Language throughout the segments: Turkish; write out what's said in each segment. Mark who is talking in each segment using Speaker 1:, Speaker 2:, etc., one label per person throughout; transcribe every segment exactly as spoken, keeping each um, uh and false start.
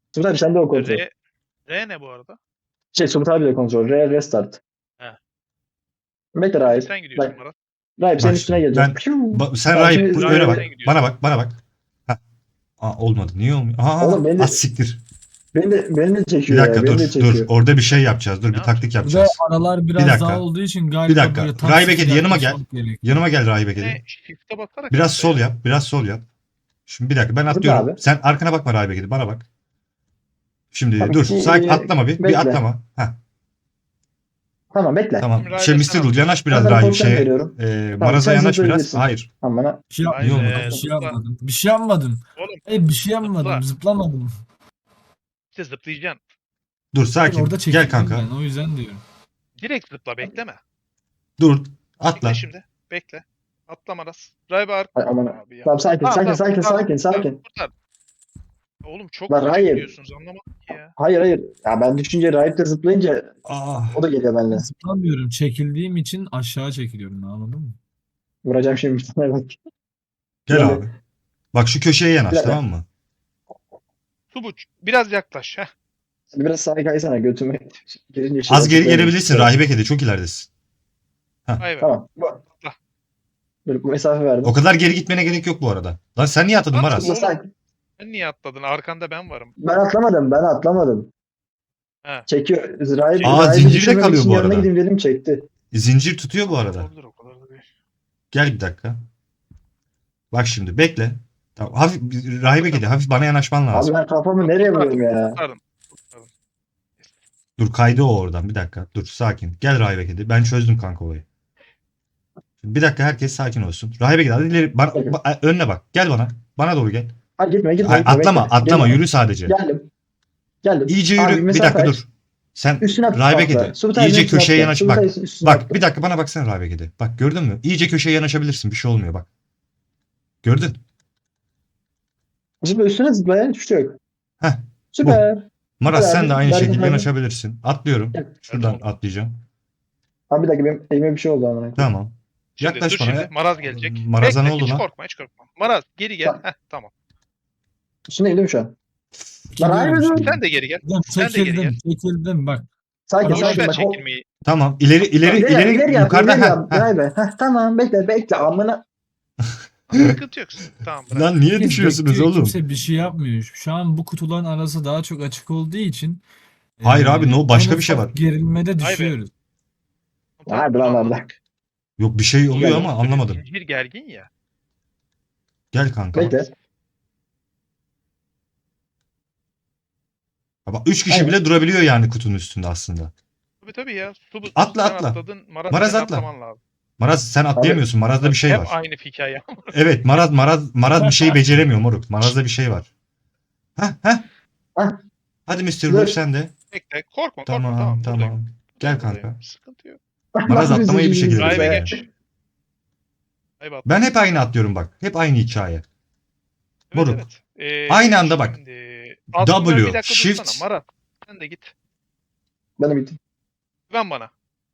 Speaker 1: Subut abi sen de o kontrol.
Speaker 2: R, R ne bu arada?
Speaker 1: Şey Subut abi de kontrol. R restart.
Speaker 2: He.
Speaker 1: Bekle Rahip.
Speaker 2: Sen gidiyorsun
Speaker 1: Bak.
Speaker 2: Murat.
Speaker 1: Rahip senin
Speaker 3: Bak
Speaker 1: üstüne
Speaker 3: şimdi.
Speaker 1: geleceğim.
Speaker 3: Ben,
Speaker 1: Piu.
Speaker 3: ba- sen
Speaker 1: Tamam,
Speaker 3: Rahip
Speaker 1: şimdi-
Speaker 3: öne bak.
Speaker 2: Sen gidiyorsun.
Speaker 3: Bana bak. Bana bak. Heh. Aa, olmadı. Niye olmuyor? Aa,
Speaker 1: Oğlum beni de-
Speaker 3: az siktir.
Speaker 1: Beni de, beni de
Speaker 3: Bir
Speaker 1: çekiyor ya.
Speaker 3: dakika
Speaker 1: Beni de
Speaker 3: dur.
Speaker 1: çekiyor.
Speaker 3: Dur. Orada bir şey yapacağız. Dur
Speaker 2: Ne
Speaker 3: bir taktik
Speaker 2: yapacağız?
Speaker 4: Burada
Speaker 3: yapacağız.
Speaker 4: aralar biraz
Speaker 3: dakika.
Speaker 4: daha olduğu için galiba
Speaker 3: Bir dakika.
Speaker 4: böyle tam
Speaker 3: Rahip
Speaker 4: sıfır
Speaker 3: Ekedi yanıma gel.
Speaker 4: yaklaşmak gerekiyor.
Speaker 3: Yanıma gel Rahip
Speaker 2: Ne?
Speaker 3: Ekedi.
Speaker 2: Shift'e basarak.
Speaker 3: Biraz
Speaker 2: işte
Speaker 3: sol
Speaker 2: ya.
Speaker 3: yap. Biraz sol yap. Şimdi bir dakika ben
Speaker 1: Burada
Speaker 3: atlıyorum.
Speaker 1: abi.
Speaker 3: Sen arkana bakma Rahip Ekedi. Bana bak. Şimdi
Speaker 1: Tamam,
Speaker 3: dur.
Speaker 1: bir-
Speaker 3: Sakin atlama bir.
Speaker 1: bekle.
Speaker 3: Bir atlama. Heh,
Speaker 1: Tamam bekle.
Speaker 3: tamam.
Speaker 2: Rahip'e
Speaker 3: Şey mister
Speaker 2: sana-
Speaker 3: Rule yanaş biraz
Speaker 1: Ben sana
Speaker 3: Rahip
Speaker 1: pozisyon
Speaker 3: şeye.
Speaker 1: veriyorum.
Speaker 3: E,
Speaker 1: Tamam,
Speaker 3: Maraz'a
Speaker 1: sen
Speaker 3: yanaş biraz.
Speaker 1: zıplayabilirsin.
Speaker 3: Hayır.
Speaker 1: Tamam bana.
Speaker 4: Bir şey,
Speaker 2: Hayır,
Speaker 3: İyi olmadı.
Speaker 2: e,
Speaker 4: bir şey
Speaker 2: zıpla.
Speaker 4: yapmadım. Bir şey yapmadım.
Speaker 2: Oğlum
Speaker 4: Hayır bir şey yapmadım.
Speaker 2: Zıpla.
Speaker 4: Zıplamadım.
Speaker 2: işte zıplayacaksın.
Speaker 3: Dur
Speaker 4: Ben
Speaker 3: sakin.
Speaker 4: orada
Speaker 3: Gel
Speaker 4: çekildim
Speaker 3: kanka.
Speaker 4: ben. O yüzden diyorum.
Speaker 2: Direkt zıpla bekleme.
Speaker 3: Dur. Atla.
Speaker 2: Bekle şimdi. Bekle. Atla Maras. Drive arka.
Speaker 1: Ay, aman.
Speaker 2: Abi ya.
Speaker 1: Tamam sakin
Speaker 2: Tamam,
Speaker 1: sakin
Speaker 2: tamam,
Speaker 1: sakin
Speaker 2: tamam,
Speaker 1: sakin
Speaker 2: tamam,
Speaker 1: sakin.
Speaker 2: kurtar. Oğlum çok
Speaker 1: Lan
Speaker 2: uçuk
Speaker 1: hayır.
Speaker 2: gidiyorsunuz anlamadım ki ya.
Speaker 1: Hayır hayır. Ya ben düşünce Rahip de zıplayınca
Speaker 3: Aa.
Speaker 1: o da geliyor benimle.
Speaker 4: Zıplamıyorum. Çekildiğim için aşağı çekiliyorum. Anladın mı?
Speaker 1: Vuracağım şimdi bir tane bak.
Speaker 3: Gel
Speaker 1: Gel.
Speaker 3: abi. Bak şu köşeye yanaş
Speaker 1: Gel.
Speaker 3: tamam mı?
Speaker 2: Subuç biraz yaklaş. Heh.
Speaker 1: Biraz sağa kaysana götüme girince şey
Speaker 3: Az geri
Speaker 1: yapıyorum.
Speaker 3: gelebilirsin. Rahibe kedi çok ileridesin.
Speaker 2: Hayır.
Speaker 1: Tamam. Bu,
Speaker 2: Atla.
Speaker 1: böyle mesafe verdim.
Speaker 3: O kadar geri gitmene gerek yok bu arada. Lan sen niye atladın
Speaker 2: Atla
Speaker 3: Maraz?
Speaker 2: oğlum.
Speaker 1: Sakin.
Speaker 2: Sen niye atladın? Arkanda ben varım.
Speaker 1: Ben atlamadım. Ben atlamadım.
Speaker 2: He.
Speaker 1: Çekiyor. Rahip,
Speaker 3: Aa,
Speaker 1: Rahip'i
Speaker 3: zincirde
Speaker 1: düşürmemek
Speaker 3: kalıyor
Speaker 1: için
Speaker 3: bu
Speaker 1: yanına
Speaker 3: arada.
Speaker 1: gideyim dedim çekti.
Speaker 3: Zincir tutuyor bu arada.
Speaker 2: Olabilir o kadar da değil.
Speaker 3: Gel bir dakika. Bak şimdi bekle. Tamam, hafif rahibe kedi hafif bana yanaşman lazım.
Speaker 1: Abi ben kafamı nereye vuruyorum ya?
Speaker 2: Kurtardım. Kurtardım.
Speaker 3: Dur kaydı o oradan bir dakika. Dur sakin. Gel rahibe kedi. Ben çözdüm kanka olayı. Şimdi bir dakika herkes sakin olsun. Rahibe kedi hadi ileri bana,
Speaker 1: Bakın.
Speaker 3: ba- önüne bak. Gel bana. Bana doğru gel.
Speaker 1: Hayır gitme gitme.
Speaker 3: Hayır,
Speaker 1: gitme,
Speaker 3: atlama
Speaker 1: bekle.
Speaker 3: atlama
Speaker 1: Geldim.
Speaker 3: yürü sadece.
Speaker 1: Geldim. Geldim.
Speaker 3: İyice
Speaker 1: Abi,
Speaker 3: yürü. Bir
Speaker 1: mesafe
Speaker 3: dakika
Speaker 1: aç.
Speaker 3: dur. Sen
Speaker 1: Üstüne atla.
Speaker 3: rahibe kedi.
Speaker 1: Subutay
Speaker 3: İyice
Speaker 1: üstüne
Speaker 3: köşeye
Speaker 1: atla.
Speaker 3: yanaş.
Speaker 1: Subutay
Speaker 3: Bak.
Speaker 1: üstüne
Speaker 3: Bak
Speaker 1: atla.
Speaker 3: bir dakika bana baksana rahibe kedi. Bak gördün mü? İyice köşeye yanaşabilirsin. Bir şey olmuyor bak. Gördün.
Speaker 1: Zıpla üstüne zıpla ya. Hiçbir şey yok.
Speaker 3: Heh,
Speaker 1: Süper.
Speaker 3: Maraz
Speaker 1: Hadi
Speaker 3: sen
Speaker 1: abi,
Speaker 3: de aynı
Speaker 1: ben de
Speaker 3: şekilde
Speaker 1: hadi.
Speaker 3: yanaşabilirsin. Atlıyorum.
Speaker 1: Gel.
Speaker 3: Şuradan
Speaker 2: Hadi.
Speaker 3: atlayacağım.
Speaker 1: Abi bir dakika benim elime bir şey oldu amına.
Speaker 3: Tamam.
Speaker 2: Şimdi
Speaker 3: Yaklaş
Speaker 2: dur
Speaker 3: bana
Speaker 2: şimdi.
Speaker 3: ya.
Speaker 2: Maraz gelecek.
Speaker 3: Maraz'a
Speaker 2: Bekle,
Speaker 3: ne oldu
Speaker 2: hiç
Speaker 3: lan?
Speaker 2: korkma hiç korkma. Maraz geri gel.
Speaker 1: Tamam.
Speaker 2: Heh, tamam.
Speaker 1: Üstüne eğilim şu an.
Speaker 4: Çekiliyorum
Speaker 1: Rahip
Speaker 4: şimdi.
Speaker 2: Sen de geri gel.
Speaker 4: Lan
Speaker 2: Sen de geri
Speaker 4: çekildim. Çekildim bak.
Speaker 1: Sakin
Speaker 4: Boş
Speaker 2: Boş
Speaker 1: sakin
Speaker 2: ver
Speaker 1: bak. o-
Speaker 2: çekilmeyi.
Speaker 3: Tamam. İleri ileri
Speaker 1: İleri,
Speaker 3: ileri,
Speaker 1: ileri yap,
Speaker 3: yukarıda.
Speaker 1: ileri
Speaker 3: Heh,
Speaker 1: yap.
Speaker 3: heh.
Speaker 1: Rahibe. Heh, tamam bekle bekle amına.
Speaker 2: Sıkıntı yok. Tamam bırak.
Speaker 3: Lan niye
Speaker 4: Herkes
Speaker 3: düşüyorsunuz
Speaker 4: bekliyor,
Speaker 3: oğlum?
Speaker 4: Kimse bir şey yapmıyor. Şu an bu kutuların arası daha çok açık olduğu için.
Speaker 3: Hayır
Speaker 4: e,
Speaker 3: abi, no, başka
Speaker 4: en
Speaker 3: bir şey
Speaker 4: ufak
Speaker 3: var.
Speaker 4: Gerilmede
Speaker 2: Vay be.
Speaker 4: düşüyoruz.
Speaker 2: Tamam,
Speaker 1: Hadi
Speaker 2: bunu
Speaker 1: lan
Speaker 2: anladık.
Speaker 1: orada.
Speaker 3: Yok bir şey oluyor
Speaker 1: Gel.
Speaker 3: ama anlamadım.
Speaker 2: Zincir gergin ya.
Speaker 3: Gel kanka.
Speaker 1: Bekle.
Speaker 3: Bak üç kişi
Speaker 1: Aynen.
Speaker 3: bile durabiliyor yani kutunun üstünde aslında.
Speaker 2: Tabii tabii ya. Su,
Speaker 3: Atla,
Speaker 2: sen
Speaker 3: atla.
Speaker 2: Atladın, Maraz,
Speaker 3: Maraz
Speaker 2: senin
Speaker 3: atla.
Speaker 2: atlaman lazım.
Speaker 3: Maraz sen atlayamıyorsun. Maraz'da bir şey
Speaker 2: Hep
Speaker 3: var.
Speaker 2: aynı hikaye.
Speaker 3: Evet Maraz Maraz Maraz bir şeyi beceremiyor moruk. Maraz'da bir şey var. Heh heh.
Speaker 1: Heh.
Speaker 3: Hadi mister
Speaker 1: Dur.
Speaker 3: Wolf sen de.
Speaker 2: Bekle. Korkma korkma.
Speaker 3: Tamam
Speaker 2: Tamam.
Speaker 3: tamam.
Speaker 2: buradayım.
Speaker 3: Gel
Speaker 2: Buradayım.
Speaker 3: kanka.
Speaker 2: Sıkıntı yok.
Speaker 3: Maraz atlamayı bir şekilde
Speaker 2: Rahibe
Speaker 3: beceriyor.
Speaker 2: geç. Rahibe atla.
Speaker 3: Ben hep aynı atlıyorum bak. Hep aynı hikaye.
Speaker 2: Evet,
Speaker 3: moruk.
Speaker 2: evet. Ee,
Speaker 3: Aynı anda bak.
Speaker 2: şimdi- Altından
Speaker 3: W,
Speaker 2: bir dakika
Speaker 3: shift.
Speaker 2: dursana. Maraz sen de git.
Speaker 1: Ben de bittim.
Speaker 2: Güven bana.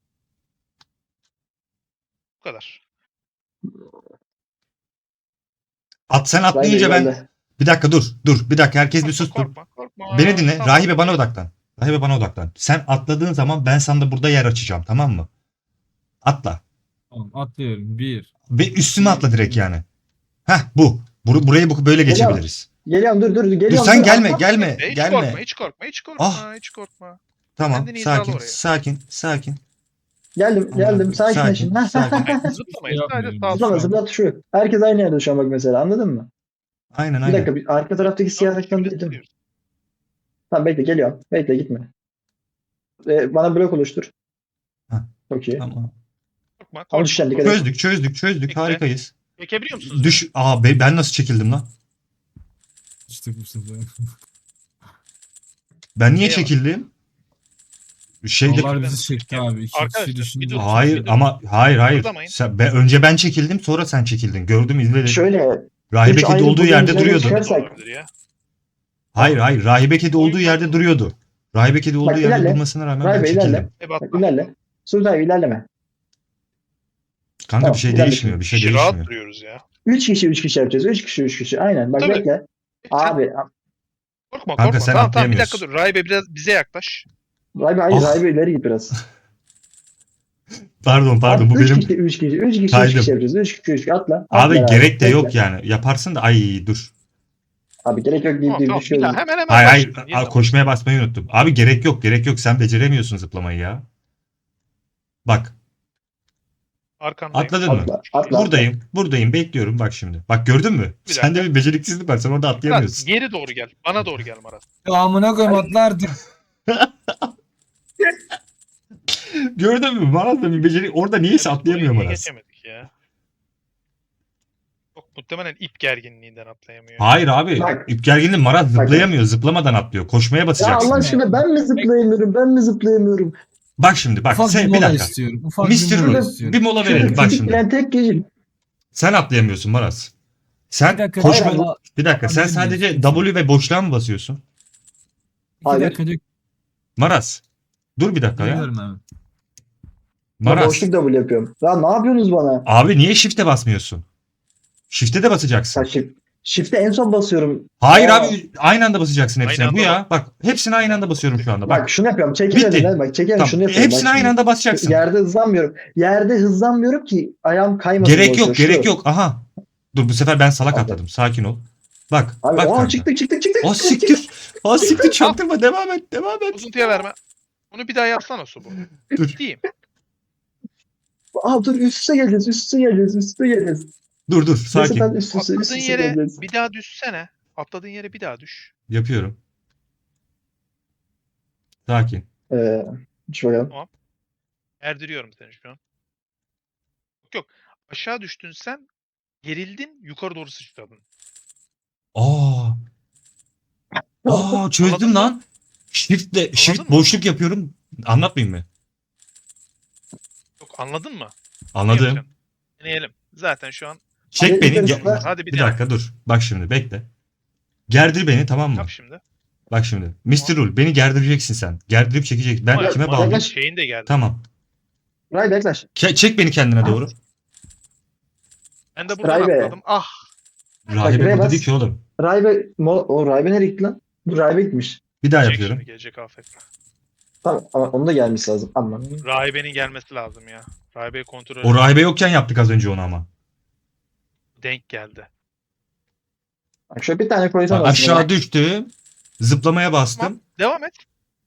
Speaker 2: Bu kadar.
Speaker 3: At sen atlayınca
Speaker 1: Rahibe
Speaker 3: ben
Speaker 1: geldi.
Speaker 3: bir dakika dur. Dur. Bir dakika herkes bir
Speaker 2: Korkma,
Speaker 3: sus dur.
Speaker 2: korkma, korkma.
Speaker 3: Beni dinle.
Speaker 2: Tamam.
Speaker 3: Rahibe bana odaklan. Rahibe bana odaklan. Sen atladığın zaman ben sana da burada yer açacağım tamam mı? Atla.
Speaker 4: Tamam atlıyorum. Bir.
Speaker 3: Ve üstüme atla direkt yani. Heh bu. Bur burayı bu böyle
Speaker 1: Geliyorum.
Speaker 3: geçebiliriz.
Speaker 1: Geliyorum dur dur geliyorum.
Speaker 3: Dur sen gelme
Speaker 1: atla.
Speaker 3: gelme
Speaker 2: Hiç
Speaker 3: gelme.
Speaker 2: korkma, hiç korkma, hiç korkma,
Speaker 3: Ah.
Speaker 2: hiç korkma.
Speaker 3: Tamam
Speaker 2: Kendini hizala
Speaker 3: sakin
Speaker 2: oraya.
Speaker 3: sakin sakin.
Speaker 1: Geldim geldim sakinleşin.
Speaker 3: Sakin, sakin.
Speaker 2: Hayır, zıplamayın. Sadece sağ
Speaker 1: Zıplama
Speaker 2: sol.
Speaker 1: zıplat şu. Herkes aynı yerde şu an bak mesela anladın mı?
Speaker 3: Aynen
Speaker 1: Bir
Speaker 3: aynen.
Speaker 1: dakika bir arka taraftaki siyah
Speaker 2: Tamam,
Speaker 1: ekran
Speaker 2: şimdi
Speaker 1: dedim.
Speaker 2: zıplıyoruz.
Speaker 1: Tamam bekle geliyorum. Bekle gitme. Ee, bana blok oluştur.
Speaker 3: Heh.
Speaker 1: Çok iyi.
Speaker 3: Tamam.
Speaker 2: Korkma,
Speaker 1: Ama
Speaker 2: korkma.
Speaker 1: düşen dikkat et.
Speaker 3: Çözdük çözdük çözdük
Speaker 2: Bekle.
Speaker 3: harikayız.
Speaker 2: Çekebiliyor musunuz?
Speaker 3: Düş. Aa be- ben nasıl çekildim lan?
Speaker 4: İşte bu sefer.
Speaker 3: Ben niye
Speaker 2: Neye
Speaker 3: çekildim? Şeyde
Speaker 4: Onlar bizi çekti abi. İki
Speaker 2: Arkadaşlar,
Speaker 4: kişi
Speaker 2: bir
Speaker 4: düşünce.
Speaker 2: dur.
Speaker 3: hayır
Speaker 2: Bir dur.
Speaker 3: ama hayır hayır.
Speaker 2: Kıpırdamayın.
Speaker 3: Sen, ben, önce ben çekildim sonra sen çekildin. Gördüm izledim.
Speaker 1: Şöyle.
Speaker 3: Rahibe
Speaker 1: üç
Speaker 3: kedi
Speaker 1: ayrı
Speaker 3: olduğu
Speaker 1: buradan
Speaker 3: yerde
Speaker 1: üzerine
Speaker 3: duruyordu.
Speaker 1: çıkar-
Speaker 2: Bu da olabilir ya.
Speaker 3: Hayır hayır. Rahibe kedi olduğu yerde duruyordu. Rahibe kedi olduğu
Speaker 1: Bak,
Speaker 3: yerde
Speaker 1: ilerle.
Speaker 3: durmasına rağmen ben
Speaker 1: Rahibe,
Speaker 3: çekildim.
Speaker 1: ilerle.
Speaker 2: E
Speaker 1: Bak
Speaker 2: batma.
Speaker 1: ilerle. Sultan ilerleme.
Speaker 3: Kanka
Speaker 1: Tamam,
Speaker 3: bir şey
Speaker 1: ilerle
Speaker 3: değişmiyor. Bir şey
Speaker 2: Kişi rahat
Speaker 3: değişmiyor.
Speaker 2: duruyoruz ya.
Speaker 1: Üç kişi üç kişi yapacağız. Üç kişi üç kişi. Aynen. Bak
Speaker 2: Tabii.
Speaker 1: bekle.
Speaker 2: Sen-
Speaker 1: Abi
Speaker 2: Korkma
Speaker 3: Kanka,
Speaker 2: korkma.
Speaker 3: sen
Speaker 2: Tamam tamam bir dakika
Speaker 3: atlayamıyorsun.
Speaker 2: dur. Rahibe biraz bize yaklaş.
Speaker 1: Rahibe hayır,
Speaker 3: Ah.
Speaker 1: Rahibe ileri git biraz.
Speaker 3: Pardon pardon, bu
Speaker 1: üç
Speaker 3: benim
Speaker 1: kişi, üç kişi, üç kişi, üç
Speaker 3: kaydım.
Speaker 1: kişi yapacağız. üç kişi, üç kişi atla.
Speaker 3: Abi
Speaker 1: atla
Speaker 3: gerek de
Speaker 1: bekle.
Speaker 3: yok yani. Yaparsın da ay dur.
Speaker 1: Abi gerek yok deyip
Speaker 2: Tamam
Speaker 1: deyip
Speaker 2: tamam bir
Speaker 1: düşüyoruz.
Speaker 2: daha hemen hemen
Speaker 3: Hayır hayır,
Speaker 2: başlıyorsun.
Speaker 3: Aa,
Speaker 2: Yeniden
Speaker 3: koşmaya basmayı unuttum. Abi gerek yok gerek yok, sen beceremiyorsun zıplamayı ya. Bak,
Speaker 2: arkandayım.
Speaker 3: atladın mı?
Speaker 1: Atla, atla.
Speaker 3: Buradayım buradayım, bekliyorum bak şimdi. Bak gördün mü?
Speaker 2: Bir
Speaker 3: Sende
Speaker 2: dakika.
Speaker 3: bir beceriksizlik var, sen orada
Speaker 2: Marat
Speaker 3: atlayamıyorsun.
Speaker 2: geri doğru gel. Bana doğru gel Marat.
Speaker 4: Ya amına koyayım atla artık.
Speaker 3: Gördün mü? Bana da bir beceri, orada niyeyse
Speaker 2: Ya biz
Speaker 3: atlayamıyor
Speaker 2: burayı niye
Speaker 3: Maras.
Speaker 2: geçemedik ya. Çok muhtemelen ip gerginliğinden atlayamıyor.
Speaker 3: Hayır abi,
Speaker 1: Bak.
Speaker 3: ip gerginliği, Maras zıplayamıyor, zıplamadan atlıyor. Koşmaya
Speaker 1: Ya
Speaker 3: basacaksın.
Speaker 1: Allah
Speaker 3: yani.
Speaker 1: aşkına ben mi zıplayamıyorum? Ben mi zıplayamıyorum?
Speaker 3: Bak şimdi bak,
Speaker 4: Ufak bir
Speaker 3: sen bir
Speaker 4: mola
Speaker 3: dakika.
Speaker 4: istiyorum. Ufak
Speaker 3: mister
Speaker 4: bir mola
Speaker 3: Rule,
Speaker 4: istiyorum.
Speaker 3: bir mola
Speaker 1: Şurada
Speaker 3: verelim bak
Speaker 1: fizik
Speaker 3: şimdi.
Speaker 1: bilen tek kişi.
Speaker 3: Sen atlayamıyorsun Maras. Sen
Speaker 4: Bir dakika,
Speaker 3: koşma...
Speaker 1: hayır,
Speaker 3: Bir dakika, sen
Speaker 4: Atlayabilir
Speaker 3: sadece
Speaker 4: miyiz?
Speaker 3: W ve boşluğa mı basıyorsun?
Speaker 4: İki
Speaker 1: Hayır.
Speaker 4: dakika dök.
Speaker 3: Maras. Dur bir dakika ya.
Speaker 4: Geliyorum abi.
Speaker 1: Ben
Speaker 3: Maras.
Speaker 1: boşluk double yapıyorum. Ya ne yapıyorsunuz bana?
Speaker 3: Abi niye shift'e basmıyorsun? Shift'e de
Speaker 1: Ya
Speaker 3: basacaksın.
Speaker 1: shift, shift'e en son basıyorum.
Speaker 3: Hayır
Speaker 1: Aa.
Speaker 3: abi, aynı anda basacaksın hepsine.
Speaker 2: Aynı
Speaker 3: Bu
Speaker 2: anda
Speaker 3: ya. Bak hepsine aynı anda basıyorum şu anda. Bak.
Speaker 1: Bak şunu yapıyorum. Çekin
Speaker 3: Bitti.
Speaker 1: önünden. Bak çekin
Speaker 3: Tamam.
Speaker 1: şunu yapıyorum.
Speaker 3: Hepsine
Speaker 1: Bak
Speaker 3: aynı
Speaker 1: şimdi.
Speaker 3: anda basacaksın.
Speaker 1: Yerde hızlanmıyorum. Yerde hızlanmıyorum ki ayağım kaymasın.
Speaker 3: Gerek
Speaker 1: boşuna.
Speaker 3: yok,
Speaker 1: Şu.
Speaker 3: gerek yok. Aha. Dur, bu sefer ben salak
Speaker 1: Abi.
Speaker 3: atladım. Sakin ol. Bak,
Speaker 1: Abi
Speaker 3: bak
Speaker 1: aa,
Speaker 3: kanka.
Speaker 1: çıktık çıktık çıktık.
Speaker 3: O siktir. O siktir, çaktırma, devam et, devam et.
Speaker 2: Bozuntuya verme. Bunu bir daha yapsana Subu.
Speaker 3: Dur.
Speaker 2: Ciddiyim.
Speaker 1: Aa dur üst üste geleceğiz. Üst üste geleceğiz. Üst üste geleceğiz.
Speaker 3: Dur dur,
Speaker 1: Neyse
Speaker 3: sakin.
Speaker 1: ben üst üste, üst
Speaker 2: Atladığın
Speaker 1: üste
Speaker 2: yere
Speaker 1: geleceğiz.
Speaker 2: bir daha düşsene. Atladığın yere bir daha düş.
Speaker 3: Yapıyorum. Sakin.
Speaker 1: Ee, şu bakalım.
Speaker 2: Erdiriyorum seni şu an. Yok yok. Aşağı düştün sen. Gerildin. Yukarı doğru sıçradın.
Speaker 3: Aa. Aa, çözdüm
Speaker 2: Anladın mı?
Speaker 3: lan. Shift'le shift
Speaker 2: mı?
Speaker 3: boşluk yapıyorum. Anlatmayayım mı?
Speaker 2: Yok anladın mı? Ne
Speaker 3: Anladım.
Speaker 2: yapacaksın? Deneyelim. Zaten şu an
Speaker 3: Çek
Speaker 1: Hadi
Speaker 3: beni.
Speaker 1: yukarı
Speaker 3: ge-
Speaker 1: zıpla.
Speaker 2: hadi bir,
Speaker 3: Bir
Speaker 2: dene.
Speaker 3: dakika dur. Bak şimdi bekle. Gerdir beni, tamam mı?
Speaker 2: Yap şimdi.
Speaker 3: Bak şimdi. mister Rule, beni gerdireceksin sen. Gerdirip çekeceksin. Ben
Speaker 2: Ama
Speaker 3: kime
Speaker 2: Marat'ın
Speaker 3: bağlayayım?
Speaker 2: Şeyin de geldi.
Speaker 3: Tamam.
Speaker 1: Ray yaklaş.
Speaker 3: Ke- çek beni kendine doğru.
Speaker 2: Ben de buradan
Speaker 1: Rahibe.
Speaker 2: atladım. Ah.
Speaker 3: Rahibe
Speaker 1: buraya
Speaker 3: burada
Speaker 1: bas.
Speaker 3: değil ki oğlum.
Speaker 1: Raybe, mo o Raybe nereye gitti lan? Bu Raybe gitmiş.
Speaker 3: Bir daha
Speaker 2: Çek
Speaker 3: yapıyorum.
Speaker 2: şimdi gelecek afetle.
Speaker 1: Tamam ama onun da gelmesi lazım. Aman.
Speaker 2: Rahibe'nin gelmesi lazım ya. Rahibe'yi kontrol
Speaker 3: O rahibe yokken yaptık az önce onu ama.
Speaker 2: denk geldi.
Speaker 1: Bak şöyle bir tane koysam
Speaker 3: Bak,
Speaker 1: aslında.
Speaker 3: aşağı düştüm. Zıplamaya bastım.
Speaker 2: Tamam. Devam et.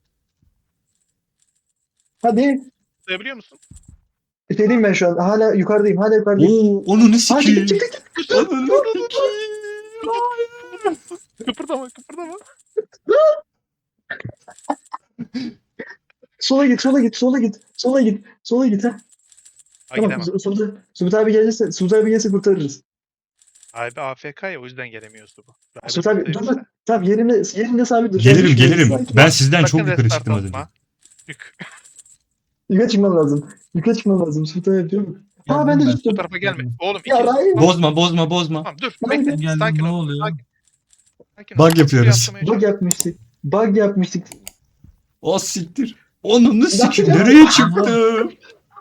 Speaker 1: Hadi.
Speaker 2: Sayabiliyor musun?
Speaker 1: Bitireyim ben şu an. Hala yukarıdayım. Hala yukarıdayım.
Speaker 3: Oo, onu ne
Speaker 1: Aa,
Speaker 3: sikeyim?
Speaker 1: çık, çık, çık.
Speaker 3: Onu ne sikeyim?
Speaker 2: Kıpırdama kıpırdama.
Speaker 1: Sola git, sola git, sola git. Sola git. Sola git ha.
Speaker 2: Ha
Speaker 1: Tamam.
Speaker 2: gidemem.
Speaker 1: Su- Subut Subut abi gelirse, Subut abi gelirse kurtarırız.
Speaker 2: Rahibe A F K ya o yüzden gelemiyorsun bu. Rahibe
Speaker 1: Subut abi dur
Speaker 2: buradaymış
Speaker 1: dur.
Speaker 2: da.
Speaker 1: Tamam yerinde, yerinde sabit dur.
Speaker 3: Gelirim
Speaker 1: Sakin,
Speaker 3: gelirim.
Speaker 1: sakin.
Speaker 3: Ben sizden
Speaker 2: Sakın
Speaker 3: çok yukarı
Speaker 2: restart
Speaker 3: çıktım az önce.
Speaker 2: atma. Yük.
Speaker 1: Yukarı çıkmam lazım. Yukarı çıkmam lazım. Subut abi diyor mu? Aa ben de
Speaker 4: Geldim
Speaker 1: düştüm.
Speaker 2: Bu tarafa gelme. Oğlum
Speaker 1: Ya
Speaker 2: iki.
Speaker 1: Raybe.
Speaker 3: Bozma bozma bozma.
Speaker 2: Tamam dur.
Speaker 1: Ben
Speaker 2: Bekle.
Speaker 1: de
Speaker 4: geldim,
Speaker 2: Sakin
Speaker 4: ne
Speaker 2: ol.
Speaker 4: oluyor?
Speaker 2: Sakin. Sakin ol.
Speaker 3: Bug yapıyoruz.
Speaker 2: Atlamaya
Speaker 1: Bug
Speaker 2: çalış.
Speaker 1: yapmıştık. Bug yapmıştık.
Speaker 3: O siktir. Onu ne sikeyim?
Speaker 1: Ya.
Speaker 3: Nereye çıktım?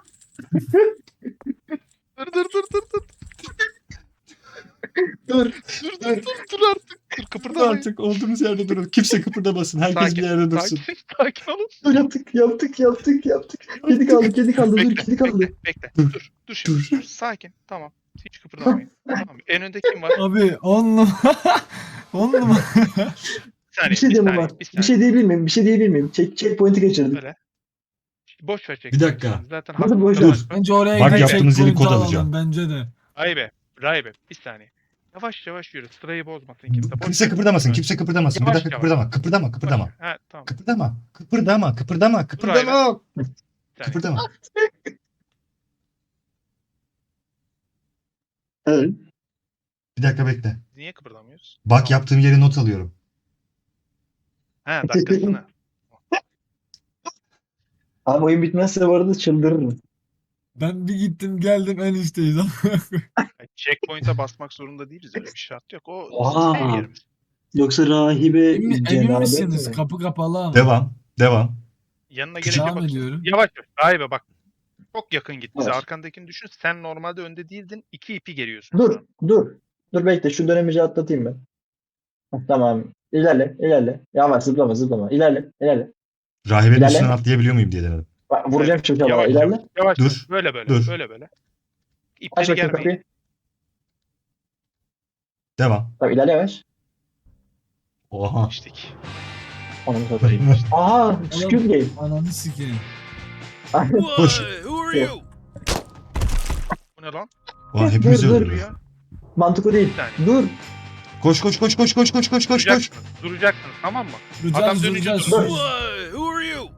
Speaker 2: Dur dur dur dur dur.
Speaker 1: Dur.
Speaker 2: Dur dur dur dur artık. Dur kıpırdamayın.
Speaker 3: Artık olduğumuz yerde durun. Kimse kıpırdamasın. Herkes
Speaker 2: Sakin,
Speaker 3: bir yerde dursun.
Speaker 2: Sakin, sakin olun.
Speaker 1: Dur yaptık, yaptık, yaptık, yaptık. Kedi kaldı, kedi kaldı. Dur,
Speaker 2: Bekle,
Speaker 1: kedi kaldı.
Speaker 2: bekle, bekle.
Speaker 3: Dur,
Speaker 2: Dur, dur şimdi.
Speaker 3: dur.
Speaker 2: Dur. Sakin. Tamam. Hiç kıpırdamayın. Tamam. En önde kim var?
Speaker 4: Abi on numara. on numara.
Speaker 2: Bir saniye.
Speaker 1: Bir şey
Speaker 2: bir
Speaker 1: diyemem
Speaker 2: saniye,
Speaker 1: var.
Speaker 2: bir
Speaker 1: Bir
Speaker 2: saniye.
Speaker 1: şey diyebilir miyim? Bir şey diyebilir miyim? Check, checkpoint'i kaçırdık.
Speaker 2: Böyle. Boş ver çek.
Speaker 3: Bir dakika.
Speaker 2: Zaten
Speaker 1: Nasıl
Speaker 2: hakkında
Speaker 1: boş
Speaker 2: var.
Speaker 3: ver?
Speaker 4: Bence oraya
Speaker 3: Bak,
Speaker 4: gidip
Speaker 3: yaptığınız yeri
Speaker 4: checkpoint
Speaker 3: kod
Speaker 4: alalım,
Speaker 3: alacağım.
Speaker 4: bence de.
Speaker 2: Rahibe. Rahibe. Bir saniye. Yavaş yavaş yürü. Sırayı bozmasın kimse. Boş
Speaker 3: Kimse
Speaker 2: ver.
Speaker 3: kıpırdamasın.
Speaker 2: Evet.
Speaker 3: Kimse kıpırdamasın. Bir
Speaker 2: Yavaş
Speaker 3: dakika
Speaker 2: yavaş.
Speaker 3: kıpırdama. Kıpırdama.
Speaker 2: Boş
Speaker 3: Kıpırdama.
Speaker 2: ver. Ha tamam.
Speaker 3: Kıpırdama. Kıpırdama. Kıpırdama. Kıpırdama.
Speaker 2: Bir saniye.
Speaker 3: Kıpırdama.
Speaker 1: Evet.
Speaker 3: Bir dakika bekle.
Speaker 2: Niye kıpırdamıyoruz?
Speaker 3: Bak,
Speaker 2: Tamam.
Speaker 3: yaptığım yeri not alıyorum.
Speaker 2: Ha dakikasını.
Speaker 1: Abi oyun bitmezse bu arada çıldırırım.
Speaker 4: Ben bir gittim geldim en üstteyiz.
Speaker 2: Yani checkpoint'e basmak zorunda değiliz. Öyle bir şart yok. O
Speaker 1: Aa.
Speaker 2: bizim yerimiz.
Speaker 1: Yoksa rahibe
Speaker 4: emin, emin
Speaker 1: cenabet
Speaker 4: misiniz?
Speaker 1: mi?
Speaker 4: Kapı kapalı ama.
Speaker 3: Devam. Devam.
Speaker 2: Yanına
Speaker 3: Küçük-
Speaker 2: gelince
Speaker 4: Devam
Speaker 2: bak.
Speaker 4: ediyorum.
Speaker 2: Yavaş yavaş. Rahibe bak. Çok yakın git bize.
Speaker 1: Evet.
Speaker 2: Arkandakini düşün. Sen normalde önde değildin. İki ipi geriyorsun.
Speaker 1: Dur,
Speaker 2: şu an.
Speaker 1: dur. Dur bekle şu dönemeci atlatayım ben. Heh, tamam. İlerle, ilerle. Yavaş zıplama, zıplama. İlerle, ilerle.
Speaker 3: Rahibenin
Speaker 1: İlerle.
Speaker 3: üstünden atlayabiliyor muyum diye denedim.
Speaker 1: Bak, vuracağım şimdi ama
Speaker 2: Yavaş
Speaker 1: ilerle.
Speaker 2: yavaş. Yavaş.
Speaker 3: Dur,
Speaker 2: Böyle böyle.
Speaker 3: dur.
Speaker 2: Böyle böyle.
Speaker 1: Aç
Speaker 2: İpleri
Speaker 1: bakayım
Speaker 2: germeyin.
Speaker 1: kapıyı.
Speaker 3: Devam.
Speaker 1: Tamam ilerle yavaş.
Speaker 3: Oha.
Speaker 2: İçtik.
Speaker 1: Onu satayım. Aha, Squid Game.
Speaker 4: Ananı sikeyim.
Speaker 3: Koş.
Speaker 5: Who are you?
Speaker 2: Bu ne lan?
Speaker 3: Ulan hepimizi
Speaker 1: Dur, dur.
Speaker 3: öldürdü.
Speaker 2: Ya.
Speaker 1: Mantıklı değil.
Speaker 2: Bir saniye.
Speaker 1: Dur.
Speaker 3: Koş koş koş koş koş koş koş koş koş.
Speaker 2: Duracaksınız. Duracaksınız tamam mı?
Speaker 4: Duracağız,
Speaker 2: Adam dönünce
Speaker 4: duracağız.
Speaker 2: dur.
Speaker 1: Dur.
Speaker 5: Why? Who are you?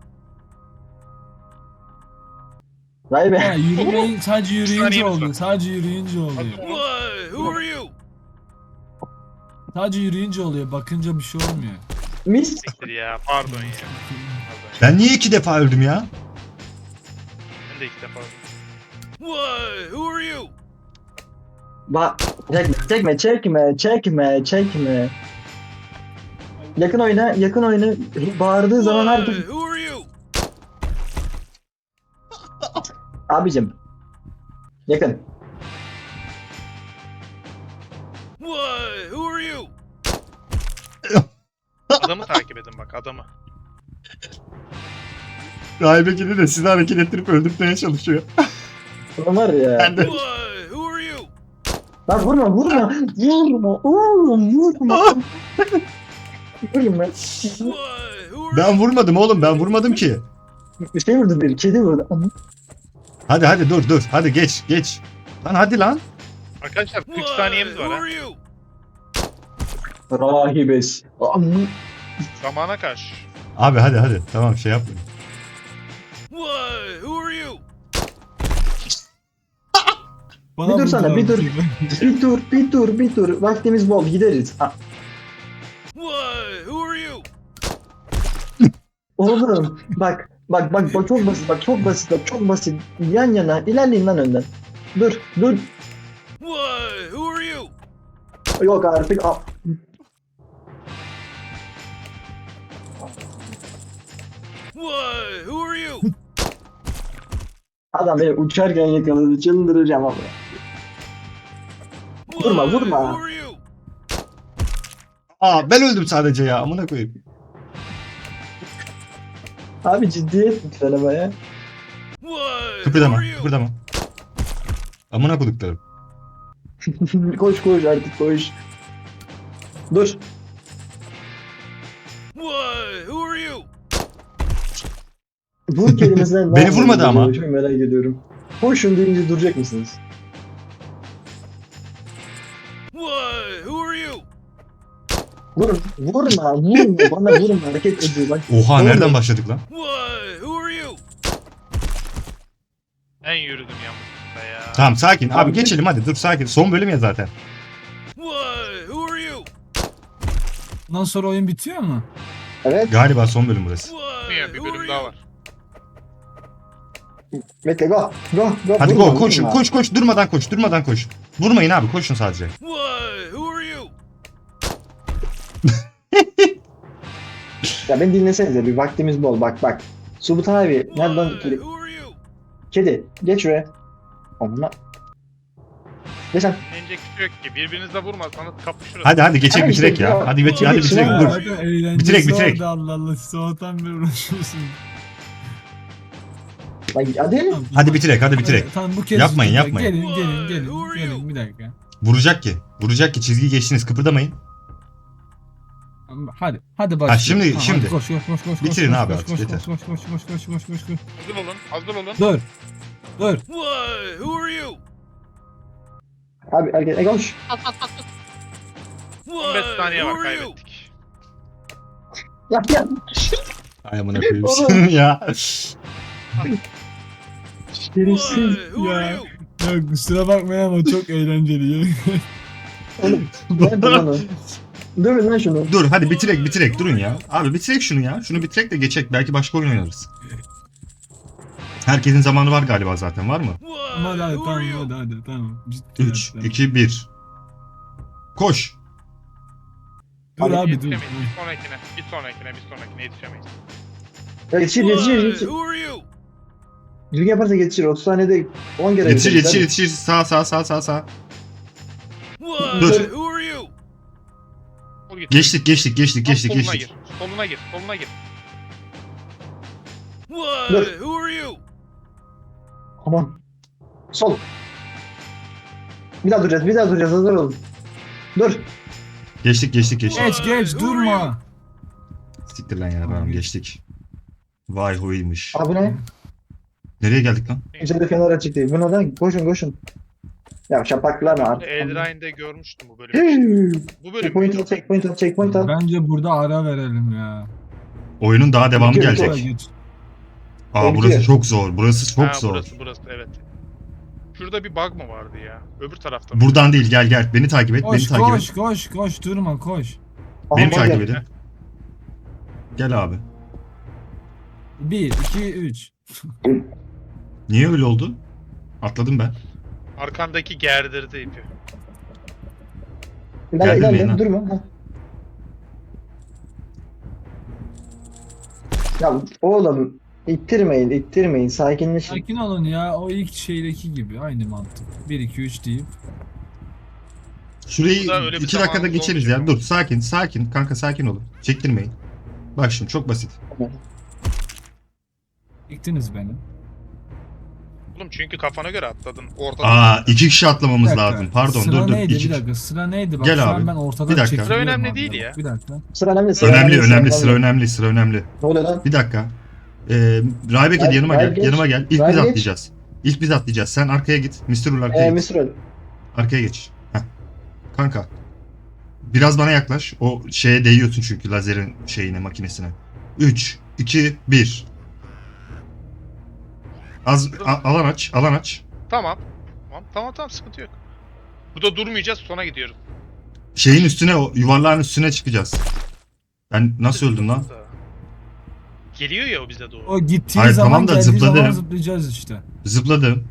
Speaker 1: Rahibe.
Speaker 4: Ha, yürümeyin, sadece yürüyünce
Speaker 2: saniyemiz var.
Speaker 4: oldu. Sadece yürüyünce oluyor.
Speaker 5: Why? Who are you?
Speaker 4: Sadece yürüyünce oluyor. Bakınca bir şey olmuyor.
Speaker 1: Mis.
Speaker 2: Siktir ya. Pardon ya. Pardon ya.
Speaker 3: Ben niye iki defa öldüm ya?
Speaker 2: Ben de ilk defa.
Speaker 5: Why? Who are you?
Speaker 1: Bak. Çekme, çekme, çekme, çekme, çekme. Yakın oyna, yakın oyna. Bağırdığı zaman herkes...
Speaker 5: Why? Who are you?
Speaker 1: Abicim. Yakın.
Speaker 5: Why? Who are you?
Speaker 2: Adamı takip edin bak adamı.
Speaker 3: Rahibe gidi de sizi hareket ettirip öldürtmeye çalışıyor.
Speaker 1: Ulan var ya.
Speaker 3: Ben de.
Speaker 5: Why? Who are you?
Speaker 1: Lan vurma, vurma. Vurma, oğlum vurma. Vurma.
Speaker 5: Why? Who are
Speaker 3: Ben vurmadım oğlum, ben vurmadım ki.
Speaker 1: Bir şey vurdu bir, kedi vurdu.
Speaker 3: Hadi hadi dur dur. Hadi geç geç. Lan hadi lan.
Speaker 2: Arkadaşlar kırk
Speaker 5: Why?
Speaker 2: saniyemiz var
Speaker 5: Who
Speaker 2: ha.
Speaker 5: are you?
Speaker 1: Rahibes. Am-
Speaker 2: Zamana karşı.
Speaker 3: Abi hadi hadi. Tamam şey yapmayın.
Speaker 5: Why? Who are you?
Speaker 4: Bana
Speaker 1: Bir dursana,
Speaker 4: vurdular
Speaker 1: bir dur.
Speaker 4: bu gibi.
Speaker 1: Bir dur, bir dur, bir dur. Vaktimiz bol, gideriz. Ha,
Speaker 5: Why? Who are you?
Speaker 1: oğlum, bak, bak, bak, bak çok basit, bak çok basit, bak çok basit. Yan yana, ilerleyin lan önden. Dur, dur.
Speaker 5: Why? Who are you?
Speaker 1: Yok artık. Aa,
Speaker 5: Why? Who are you?
Speaker 1: adam beni uçarken yakaladı, çıldıracağım abi. Vurma,
Speaker 5: Why?
Speaker 1: vurma.
Speaker 5: Who are you?
Speaker 3: Aa ben öldüm sadece ya. Amına koyayım.
Speaker 1: Abi ciddiyet lütfen ama ya.
Speaker 5: Why? Who
Speaker 3: Kıpırdama
Speaker 5: are you?
Speaker 3: kıpırdama. Amına koduklarım.
Speaker 1: Koş koş artık koş. Dur.
Speaker 5: Why? Who are you?
Speaker 1: Vur kelimesinden ne
Speaker 3: Beni
Speaker 1: anlamı
Speaker 3: vurmadı ama.
Speaker 1: geliyor? Çok merak ediyorum. Koşun deyince duracak mısınız?
Speaker 5: Why? Who are you?
Speaker 1: Vurun. Vurma. Vurma. Bana vurma. Hareket ediyor. Bak.
Speaker 3: Oha
Speaker 1: Oğlum.
Speaker 3: nereden başladık lan?
Speaker 5: Why? Who are you?
Speaker 2: Ben yürüdüm yanlışlıkla ya.
Speaker 3: Tamam sakin. Abi
Speaker 1: Abi,
Speaker 3: geçelim hadi dur sakin. Son bölüm ya zaten.
Speaker 5: Why? Who are you?
Speaker 4: Ondan sonra oyun bitiyor mu?
Speaker 1: Evet.
Speaker 3: Galiba son bölüm burası.
Speaker 5: Why?
Speaker 2: Bir
Speaker 5: Who
Speaker 2: bölüm
Speaker 5: are
Speaker 2: daha
Speaker 5: you?
Speaker 2: var.
Speaker 1: Bekle go. Go. Go.
Speaker 3: Hadi
Speaker 1: Vurma,
Speaker 3: go koşun
Speaker 1: vurma.
Speaker 3: koş koş durmadan koş durmadan koş. Vurmayın abi koşun sadece.
Speaker 5: Why? Who are you?
Speaker 1: Ya beni dinlesenize bir vaktimiz bol. Bak bak. Subutan abi. Nereden
Speaker 5: Why?
Speaker 1: kedi?
Speaker 5: Who are you?
Speaker 1: Kedi. Geç şuraya. Onunla. Geç sen.
Speaker 2: Dinlenecek bir şey yok ki. Birbirinizle vurmasanız kapışırız.
Speaker 3: Hadi hadi geçelim
Speaker 1: Hadi
Speaker 3: bitirek
Speaker 1: işte,
Speaker 3: ya.
Speaker 1: ya.
Speaker 3: Hadi bit-
Speaker 1: Kedi
Speaker 3: hadi
Speaker 1: için
Speaker 3: bitirek
Speaker 1: ha.
Speaker 3: dur.
Speaker 4: Hadi eğlencesi
Speaker 3: Bitirek, bitirek.
Speaker 4: orada, Allah Allah. Sabahtan beri uğraşıyorsun.
Speaker 1: Bak hadi.
Speaker 4: Tamam,
Speaker 3: Hadi bitirek hadi bitirek.
Speaker 4: Tamam bu kez.
Speaker 3: Yapmayın,
Speaker 4: Gelin,
Speaker 3: yapmayın.
Speaker 4: Gelin gelin
Speaker 5: Why?
Speaker 4: gelin.
Speaker 5: Who are
Speaker 4: Gelin
Speaker 5: you?
Speaker 4: bir dakika.
Speaker 3: Vuracak ki. Vuracak ki çizgiyi geçtiniz kıpırdamayın.
Speaker 4: Hadi hadi başlayalım.
Speaker 3: şimdi-
Speaker 4: Tamam,
Speaker 3: şimdi.
Speaker 4: hadi koş koş koş koş.
Speaker 3: Bitirin
Speaker 4: koş,
Speaker 3: abi
Speaker 4: koş,
Speaker 3: artık,
Speaker 4: koş,
Speaker 3: yeter.
Speaker 4: Koş koş koş koş koş koş koş koş.
Speaker 2: Hazır olun. Hazır olun.
Speaker 4: Dur. Dur.
Speaker 5: Why? Who are you?
Speaker 1: Abi hareket. E koş.
Speaker 2: on beş
Speaker 5: Why?
Speaker 2: saniye
Speaker 5: Who
Speaker 2: var
Speaker 5: are you?
Speaker 2: kaybettik.
Speaker 1: Yap yap.
Speaker 3: Ay amına koyayım
Speaker 1: Oğlum.
Speaker 3: seni ya.
Speaker 1: Şerefsiz.
Speaker 5: Why? Who are
Speaker 4: Ya.
Speaker 5: you?
Speaker 4: Ya kusura bakmayın ama çok eğlenceli.
Speaker 1: Oğlum. Nerede lan o? Dövün lan şunu.
Speaker 3: Dur hadi bitirek bitirek durun ya. Abi bitirek şunu ya. Şunu bitirek de geçek. Belki başka oyun oynarız. Herkesin zamanı var galiba zaten var mı?
Speaker 5: Why?
Speaker 4: Ama hadi
Speaker 5: Who are
Speaker 4: tamam
Speaker 5: you?
Speaker 4: hadi hadi tamam. Ciddi
Speaker 3: üç,
Speaker 4: hadi,
Speaker 3: iki, bir. Koş.
Speaker 4: tamam. Dur abi dur.
Speaker 2: Yetişemeyiz. Bir sonrakine. Bir sonrakine. Bir sonrakine yetişemeyiz.
Speaker 1: Yetişir yetişir
Speaker 5: Why?
Speaker 1: yetişir.
Speaker 5: Who are you?
Speaker 1: Düzgün yaparsa yetişir. otuz saniyede on kere
Speaker 3: Yetişir
Speaker 1: yetişir.
Speaker 3: yetişir yetişir. Sağ sağ sağ sağ sağ.
Speaker 5: Why?
Speaker 3: Dur.
Speaker 5: Who are you?
Speaker 2: Vur git.
Speaker 3: Geçtik geçtik geçtik
Speaker 2: Tam
Speaker 3: geçtik
Speaker 2: soluna
Speaker 3: geçtik.
Speaker 2: gir. Soluna gir. Soluna gir.
Speaker 5: Why?
Speaker 1: Look.
Speaker 5: Who are you?
Speaker 1: Aman. Sol. Bir daha duracağız, bir daha duracağız. Hazır olun. Dur.
Speaker 3: Geçtik geçtik geçtik.
Speaker 4: Geç geç durma.
Speaker 3: Siktir lan ya tamam geçtik. Vay huymuş.
Speaker 1: Abi ne?
Speaker 3: Nereye geldik lan?
Speaker 1: Üzerinde fener açık değil. Bu neden? Koşun koşun. Ya şapaklar mı artık?
Speaker 2: Eldrain'de görmüştüm bu bölümü. Bu bölüm
Speaker 1: Checkpoint al, checkpoint al, checkpoint al.
Speaker 4: Bence burada ara verelim ya.
Speaker 3: Oyunun daha devamı
Speaker 1: Bitiyor,
Speaker 3: gelecek.
Speaker 4: Oraya git.
Speaker 3: Aa
Speaker 1: Bitiyor.
Speaker 3: burası çok zor. Burası çok
Speaker 2: ha,
Speaker 3: zor.
Speaker 2: Burası burası evet. Şurada bir bug mı vardı ya? Öbür tarafta mı?
Speaker 3: Buradan değil gel gel. Beni takip et.
Speaker 4: Koş
Speaker 3: beni takip
Speaker 4: koş
Speaker 3: et.
Speaker 4: koş koş durma koş.
Speaker 1: Aha,
Speaker 3: Beni
Speaker 1: bak
Speaker 3: takip
Speaker 1: gel.
Speaker 3: edin. Gel abi.
Speaker 4: bir, iki, üç.
Speaker 3: Niye öyle oldu? Atladım ben.
Speaker 2: Arkandaki gerdirdi ipi.
Speaker 1: İlerle,
Speaker 3: Geldim
Speaker 1: ilerle,
Speaker 3: yayına.
Speaker 1: durma. Ha. Ya oğlum ittirmeyin, ittirmeyin. Sakinleşin.
Speaker 4: Sakin olun ya. O ilk şeydeki gibi. Aynı mantık. bir, iki, üç deyip.
Speaker 3: Şurayı
Speaker 2: Burada öyle bir
Speaker 3: iki dakikada
Speaker 2: zamanımız
Speaker 3: geçeriz
Speaker 2: olmayacak
Speaker 3: ya.
Speaker 2: ama.
Speaker 3: Dur sakin sakin. Kanka sakin olun. Çektirmeyin. Bak şimdi çok basit.
Speaker 4: Yıktınız beni.
Speaker 2: Oğlum çünkü kafana göre atladın. Ortada.
Speaker 3: Aa iki kişi
Speaker 4: Bir
Speaker 3: atlamamız
Speaker 4: dakika,
Speaker 3: lazım. Pardon
Speaker 4: sıra
Speaker 3: dur dur.
Speaker 4: neydi?
Speaker 3: İki...
Speaker 4: Bir dakika sıra neydi? Bak
Speaker 3: Gel
Speaker 4: şu
Speaker 3: abi.
Speaker 4: an ben ortadan
Speaker 3: Bir dakika.
Speaker 4: çekiliyorum
Speaker 2: Sıra önemli
Speaker 4: abi
Speaker 2: değil
Speaker 4: bak.
Speaker 2: ya.
Speaker 4: Bir dakika.
Speaker 1: Sıra önemli, sıra
Speaker 3: Önemli önemli
Speaker 1: sıra
Speaker 3: sıra önemli sıra önemli.
Speaker 1: Ne oluyor lan?
Speaker 3: Bir dakika. Ee, Raybek
Speaker 1: Ray-
Speaker 3: yanıma
Speaker 1: Ray
Speaker 3: gel.
Speaker 1: geç.
Speaker 3: Yanıma gel. İlk
Speaker 1: Ray
Speaker 3: biz
Speaker 1: geç.
Speaker 3: atlayacağız. İlk biz atlayacağız. Sen arkaya git. mister Rule arkaya
Speaker 1: Eee
Speaker 3: git.
Speaker 1: Misrol.
Speaker 3: Arkaya geç. Heh. Kanka. Biraz bana yaklaş. O şeye değiyorsun çünkü lazerin şeyine, makinesine. üç, iki, bir. Az a- alan aç, alan aç.
Speaker 2: Tamam. Tamam tamam tamam sıkıntı yok. Burada durmayacağız sona gidiyoruz.
Speaker 3: Şeyin üstüne, o yuvarlağın üstüne çıkacağız. Ben nasıl öldüm lan?
Speaker 2: Geliyor ya o bize doğru.
Speaker 4: O gittiği
Speaker 3: Hayır,
Speaker 4: zaman
Speaker 3: tamam da
Speaker 4: geldiği zaman
Speaker 3: zıpladım.
Speaker 4: zıplayacağız işte.
Speaker 3: Zıpladım.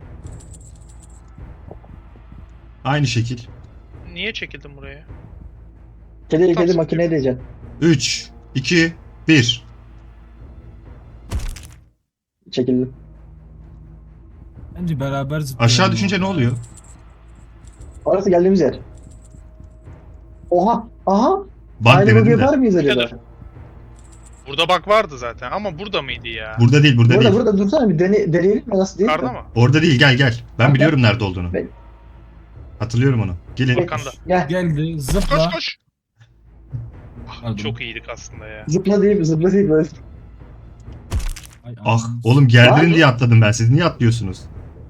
Speaker 3: Aynı şekil.
Speaker 2: Niye çekildin buraya?
Speaker 1: Kedi
Speaker 2: Tam
Speaker 1: kedi
Speaker 2: sıkıntı
Speaker 1: makineye
Speaker 2: yok.
Speaker 1: diyeceksin.
Speaker 3: üç, iki, bir.
Speaker 1: Çekildim.
Speaker 4: Bence beraber zıplayalım.
Speaker 3: Aşağı düşünce ne oluyor?
Speaker 1: Orası geldiğimiz yer. Oha! Aha!
Speaker 3: Bak
Speaker 1: Aynı bug
Speaker 3: denedim
Speaker 1: yapar
Speaker 3: de.
Speaker 1: mıyız acaba?
Speaker 2: Nedir? Burada bak vardı zaten ama burada mıydı ya?
Speaker 3: Burada değil, burada
Speaker 1: Burada
Speaker 3: değil.
Speaker 1: burada dursana bir dene, deneyelim mi nasıl değil
Speaker 2: Yukarıda
Speaker 1: mi?
Speaker 2: mı?
Speaker 3: Orada değil, gel gel. Ben
Speaker 1: Bak,
Speaker 3: biliyorum nerede olduğunu.
Speaker 1: Ben-
Speaker 3: Hatırlıyorum onu. Gelin.
Speaker 2: Arkanda.
Speaker 1: Gel.
Speaker 4: Geldi
Speaker 2: Koş
Speaker 4: zıpla.
Speaker 2: koş. Ah,
Speaker 4: Pardon.
Speaker 2: çok iyiydik aslında ya.
Speaker 1: Zıpla deyip zıpla deyip böyle.
Speaker 4: Ay,
Speaker 3: Ah
Speaker 4: anam.
Speaker 3: oğlum gerdirin
Speaker 1: Var.
Speaker 3: diye atladım ben. Siz niye atlıyorsunuz?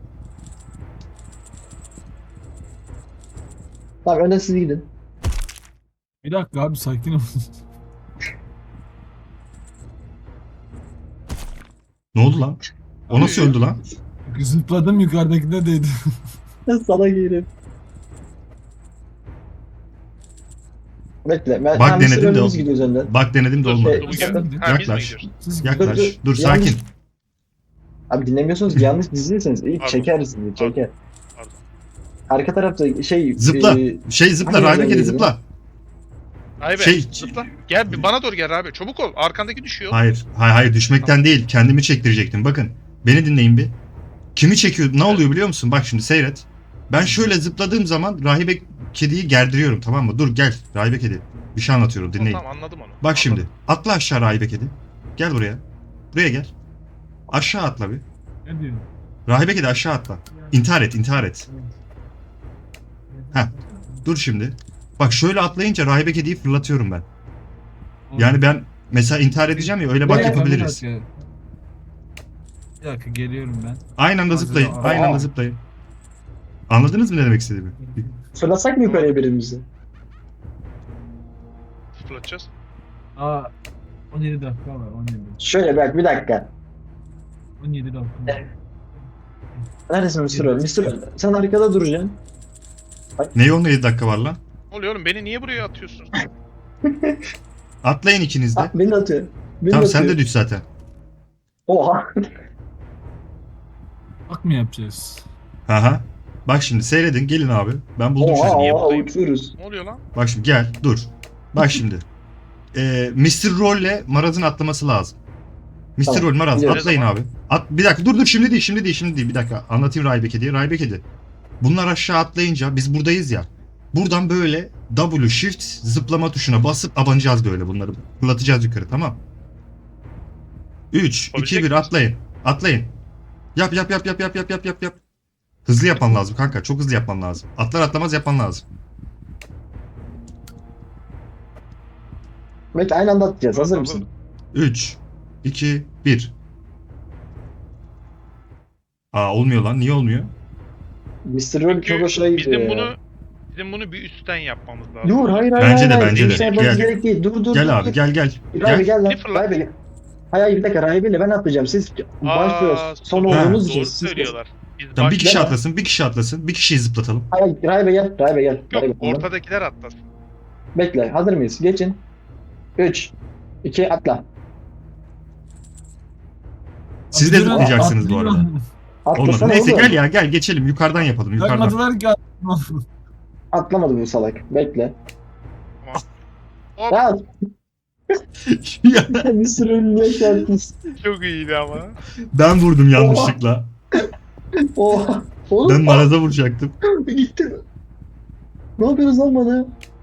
Speaker 1: Tamam önden siz gidin.
Speaker 4: Bir dakika abi sakin ol.
Speaker 3: Ne oldu lan? O nasıl öldü lan?
Speaker 4: Zıpladım yukarıdakine değdi.
Speaker 1: Sana giyelim. Bekle. Ben,
Speaker 3: Bak
Speaker 1: ha,
Speaker 3: denedim de
Speaker 1: önümüz
Speaker 3: o-
Speaker 1: gidiyoruz önden.
Speaker 3: Bak denedim de
Speaker 2: Dur,
Speaker 3: olmadı.
Speaker 1: Şey-
Speaker 2: dur, bu gel-
Speaker 1: Dur,
Speaker 2: Ha, biz mi
Speaker 3: yaklaş.
Speaker 2: gidiyoruz?
Speaker 4: Siz
Speaker 3: Yaklaş.
Speaker 1: Dur,
Speaker 3: Dur,
Speaker 1: dur.
Speaker 3: sakin.
Speaker 1: Yanlış- Abi dinlemiyorsunuz ki yanlış dizilirseniz ilk
Speaker 2: Pardon.
Speaker 1: çeker sizi çeker.
Speaker 2: Pardon.
Speaker 1: Arka tarafta şey
Speaker 3: Zıpla.
Speaker 1: e,
Speaker 3: Şey zıpla.
Speaker 1: Hangi
Speaker 3: Raybek
Speaker 1: yerden
Speaker 3: hadi
Speaker 1: geliyor?
Speaker 3: zıpla.
Speaker 2: Ay be
Speaker 3: Şey-
Speaker 2: zıpla. Gel bir bana doğru gel abi. Çabuk ol. Arkandaki düşüyor.
Speaker 3: Hayır. Hayır hayır düşmekten değil. Kendimi çektirecektim. Bakın. Beni dinleyin bir. Kimi çekiyor? Ne oluyor biliyor musun? Bak şimdi seyret. Ben şöyle zıpladığım zaman rahibe kediyi gerdiriyorum, tamam mı? Dur gel rahibe kedi. Bir şey anlatıyorum, dinleyin.
Speaker 2: Tamam anladım onu.
Speaker 3: Bak şimdi.
Speaker 2: Anladım.
Speaker 3: Atla aşağı rahibe kedi. Gel buraya. Buraya gel. Aşağı atla bir.
Speaker 4: Ne diyorsun?
Speaker 3: Rahibe kedi aşağı atla. İntihar et, intihar et. Heh. Dur şimdi. Bak şöyle atlayınca rahibe kediyi fırlatıyorum ben. Yani ben mesela intihar edeceğim ya, öyle bak
Speaker 1: Bir dakika,
Speaker 3: yapabiliriz.
Speaker 4: Bir dakika. Bir dakika geliyorum ben.
Speaker 3: Aynı anda zıplayın.
Speaker 4: Aa.
Speaker 3: Aynı anda zıplayın. Anladınız mı ne demek istediğimi?
Speaker 1: fırlatsak mı yukarıya birimizi?
Speaker 2: Fırlatacağız.
Speaker 4: Aa on yedi dakika var on yedi.
Speaker 1: Şöyle bak bir dakika.
Speaker 4: on yedi dakika var.
Speaker 1: Neredesin mister Earl? mister Earl, sen arkada duracaksın.
Speaker 3: Neye on yedi dakika var lan?
Speaker 2: Ne oluyor oğlum? Beni niye buraya atıyorsunuz?
Speaker 3: Atlayın ikiniz de.
Speaker 1: Ah, beni de atıyor. Beni
Speaker 3: Tamam
Speaker 1: de
Speaker 3: sen
Speaker 1: atıyor.
Speaker 3: de düş zaten.
Speaker 1: Oha.
Speaker 4: Bak mı yapacağız?
Speaker 3: Aha. Bak şimdi seyredin, gelin abi. Ben buldum
Speaker 1: Oha
Speaker 3: çözümü.
Speaker 1: oha
Speaker 2: buradayım?
Speaker 1: uçuyoruz.
Speaker 2: Ne oluyor lan?
Speaker 3: Bak şimdi gel, dur. Bak şimdi. Ee, mister Roll'le Maraz'ın atlaması lazım. mister
Speaker 1: Tamam,
Speaker 3: Roll, Maraz
Speaker 1: biliyorum.
Speaker 3: atlayın abi. At, bir dakika dur dur şimdi değil, şimdi değil, şimdi değil. Bir dakika anlatayım Raybek diye. Raybek diye. Bunlar aşağı atlayınca biz buradayız ya. Buradan böyle W shift zıplama tuşuna basıp abanacağız böyle bunları. Fırlatacağız yukarı, tamam. üç, iki, bir atlayın. Atlayın. Yap yap yap yap yap yap yap yap yap. Hızlı yapman lazım kanka. Çok hızlı yapman lazım. Atlar atlamaz yapman lazım.
Speaker 1: Belki aynı anda atacağız. Hazır mısın?
Speaker 3: üç, iki, bir. Aa olmuyor lan. Niye olmuyor?
Speaker 1: mister Roll çok hoşuna gidiyor
Speaker 2: Bizim
Speaker 1: ya.
Speaker 2: bunu bizim bunu bir üstten yapmamız lazım.
Speaker 1: Dur hayır hayır
Speaker 3: Bence
Speaker 1: hayır.
Speaker 3: de,
Speaker 1: hayır.
Speaker 3: bence de.
Speaker 1: Kimse yapmamız
Speaker 3: Gel.
Speaker 1: gerek değil. Dur dur dur.
Speaker 3: Gel abi
Speaker 1: dur.
Speaker 3: gel gel.
Speaker 1: Rahibe
Speaker 3: Gel.
Speaker 1: gel lan.
Speaker 2: Bir fırlat.
Speaker 1: Rahibe gel. Hayır hayır bir dakika Rahibe'yle ben atlayacağım. Siz başlıyoruz. Son
Speaker 2: doğru-
Speaker 1: olduğunuz
Speaker 2: Doğru
Speaker 1: için. Siz-
Speaker 2: söylüyorlar. Biz
Speaker 3: Tamam bir
Speaker 2: baş-
Speaker 3: kişi
Speaker 1: Gel.
Speaker 3: atlasın. Bir kişi atlasın. Bir kişiyi zıplatalım.
Speaker 1: Hayır Rahibe gel. Rahibe gel.
Speaker 2: Yok,
Speaker 1: Rahibe,
Speaker 2: ortadakiler atlasın.
Speaker 1: Bekle. Hazır mıyız? Geçin. üç, iki, atla.
Speaker 3: Siz
Speaker 4: Abi
Speaker 3: de
Speaker 4: durun,
Speaker 3: zıplayacaksınız bu arada.
Speaker 4: atlıyorum.
Speaker 3: Olmadı.
Speaker 1: Atlasana
Speaker 3: Neyse
Speaker 1: oğlum.
Speaker 3: gel ya gel geçelim. Yukarıdan yapalım. Yukarıdan.
Speaker 4: Bakmadılar ki.
Speaker 1: Atlamadı bu salak. Bekle.
Speaker 2: Hop,
Speaker 1: Ya
Speaker 3: Ya,
Speaker 1: mister Roll niye geldiniz?
Speaker 2: çok iyiydi ama.
Speaker 3: ben vurdum yanlışlıkla.
Speaker 1: Oha. Oğlum.
Speaker 3: Ben maraza vuracaktım.
Speaker 1: Gitti. Ne yapıyoruz lan bana?